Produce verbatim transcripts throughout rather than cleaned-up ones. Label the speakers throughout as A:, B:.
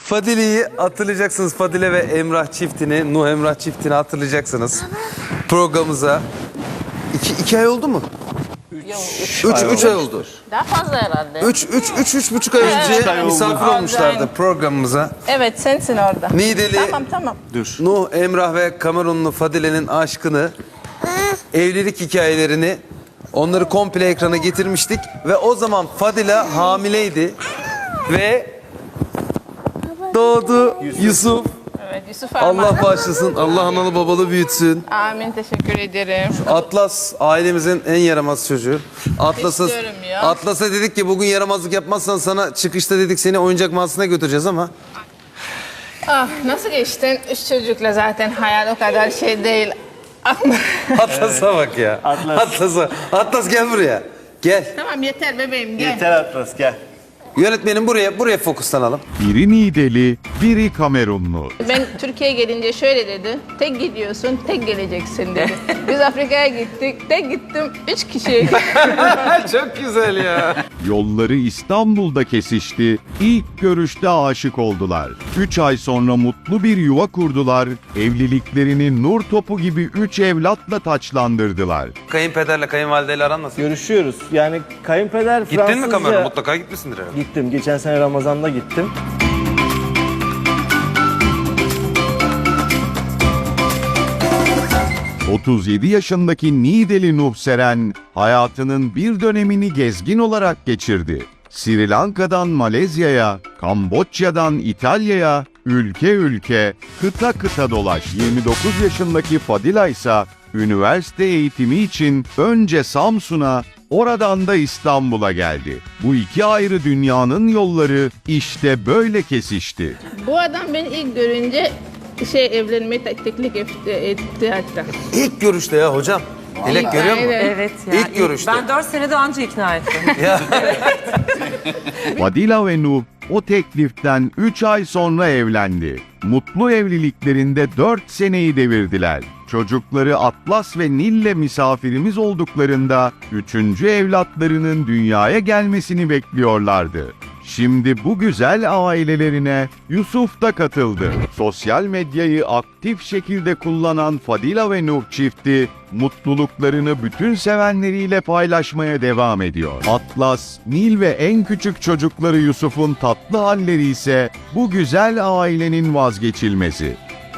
A: Fadile'yi hatırlayacaksınız. Fadile ve Emrah çiftini, Nuh Emrah çiftini hatırlayacaksınız. Programımıza iki, iki ay oldu mu? Üç, üç, üç ay oldu.
B: Daha fazla herhalde.
A: Üç, üç, üç, üç buçuk ay önce misafir olmuşlardı programımıza.
B: Evet, sensin orada.
A: Niğdeli,
B: Tamam tamam.
C: Dur.
A: Nuh, Emrah ve Kamerunlu Fadile'nin aşkını, evlilik hikayelerini, onları komple ekrana getirmiştik. Ve o zaman Fadile hamileydi. Ve doğdu Yusuf.
B: Evet, Yusuf Arman.
A: Allah bağışlasın, Allah analı babalı büyütsün.
B: Amin, teşekkür ederim.
A: Atlas ailemizin en yaramaz çocuğu. Atlas'a
B: İstiyorum ya.
A: Atlas'a dedik ki bugün yaramazlık yapmazsan sana çıkışta dedik seni oyuncak mağazasına götüreceğiz ama
B: Ah, nasıl geçtin? Üç çocukla zaten hayal o kadar şey değil.
A: Atlas'a bak ya.
C: Atlas.
A: Atlas'a. Atlas gel buraya. Gel.
B: Tamam yeter bebeğim, gel.
C: Yeter Atlas gel.
A: Yönetmenim buraya buraya fokuslanalım.
D: Biri Niğdeli, biri Kamerunlu.
B: Ben Türkiye'ye gelince şöyle dedi. Tek gidiyorsun, tek geleceksin dedi. Biz Afrika'ya gittik, tek gittim, üç kişiye gittim.
A: Çok güzel ya.
D: Yolları İstanbul'da kesişti, ilk görüşte aşık oldular. Üç ay sonra mutlu bir yuva kurdular, evliliklerini nur topu gibi üç evlatla taçlandırdılar.
A: Kayınpederle kayınvalideyle aran nasıl?
C: Görüşüyoruz. Yani kayınpeder
A: Gittin
C: Fransızca...
A: mi Kamerun? Mutlaka gitmişsindir herhalde.
C: Gittim. Geçen sene Ramazan'da gittim.
D: otuz yedi yaşındaki Niğdeli Nuh Seren, hayatının bir dönemini gezgin olarak geçirdi. Sri Lanka'dan Malezya'ya, Kamboçya'dan İtalya'ya, ülke ülke, kıta kıta dolaş. yirmi dokuz yaşındaki Fadila ise üniversite eğitimi için önce Samsun'a, oradan da İstanbul'a geldi. Bu iki ayrı dünyanın yolları işte böyle kesişti.
B: Bu adam beni ilk görünce şey evlenmeyi tek- teklif etti, etti hatta.
A: İlk görüşte ya hocam. Dilek görüyor musun?
B: Aynen.
E: Evet ya.
A: İlk görüşte.
E: Ben dört senede anca ikna ettim.
D: Fadila ve Nuh o tekliften üç ay sonra evlendi. Mutlu evliliklerinde dört seneyi devirdiler. Çocukları Atlas ve Nil'le misafirimiz olduklarında üçüncü evlatlarının dünyaya gelmesini bekliyorlardı. Şimdi bu güzel ailelerine Yusuf da katıldı. Sosyal medyayı aktif şekilde kullanan Fadila ve Nuh çifti mutluluklarını bütün sevenleriyle paylaşmaya devam ediyor. Atlas, Nil ve en küçük çocukları Yusuf'un tatlı halleri ise bu güzel ailenin vazgeçilmezi.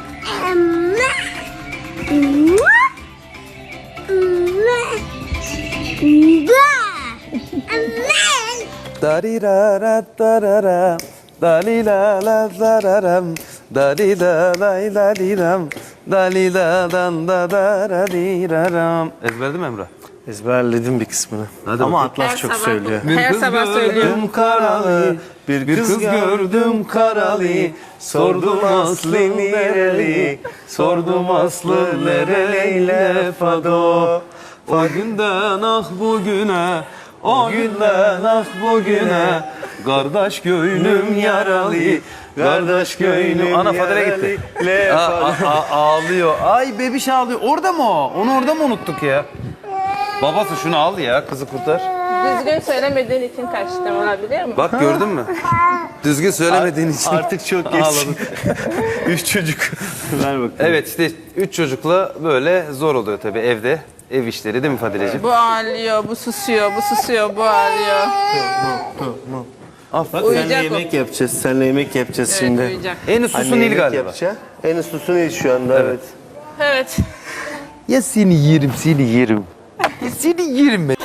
A: Darirara darara, dalila zararam, dalila lay laliram, daliladan da darariraram. Ezberledin mi Emrah?
C: Ezberledim bir kısmını.
A: Hadi
C: Ama
A: bakayım.
C: Atlas
B: Her
C: çok
B: sabah-
C: söylüyor.
B: Her sabah söylüyorum.
C: Karalı, bir kız, gördüm karalı, sordum aslı nereli, sordum aslı nereliyle fado.
A: O günden ah bugüne, o günden ah bugüne, kardeş gönlüm yaralı, kardeş gönlüm. Ana Fadile gitti.
C: Le
A: Aa, a- a- ağlıyor. Ay bebiş ağlıyor. Orada mı o? Onu orada mı unuttuk ya? Babası şunu al ya, kızı kurtar.
B: Düzgün söylemediğin için kaçtım, olabilir mi?
A: Bak gördün mü? Düzgün söylemediğin için.
C: Artık çok geç.
A: Ağladım.
C: Üç çocuk. Ver bakalım.
A: Evet işte üç çocukla böyle zor oluyor tabii evde. Ev işleri değil mi Fadileciğim?
B: Bu ağlıyor, bu susuyor, bu susuyor, bu ağlıyor.
C: Bak senle
B: Uyuyacak o.
C: yemek yapacağız. Senle yemek yapacağız
B: Evet,
C: şimdi.
B: uyuyacak.
A: En uslusu
C: Anne
A: Nil
C: yemek
A: galiba.
C: yapacak. En uslusu Nil şu anda evet.
B: Evet.
A: Ya seni yerim, seni yerim. Ya seni yerim ben.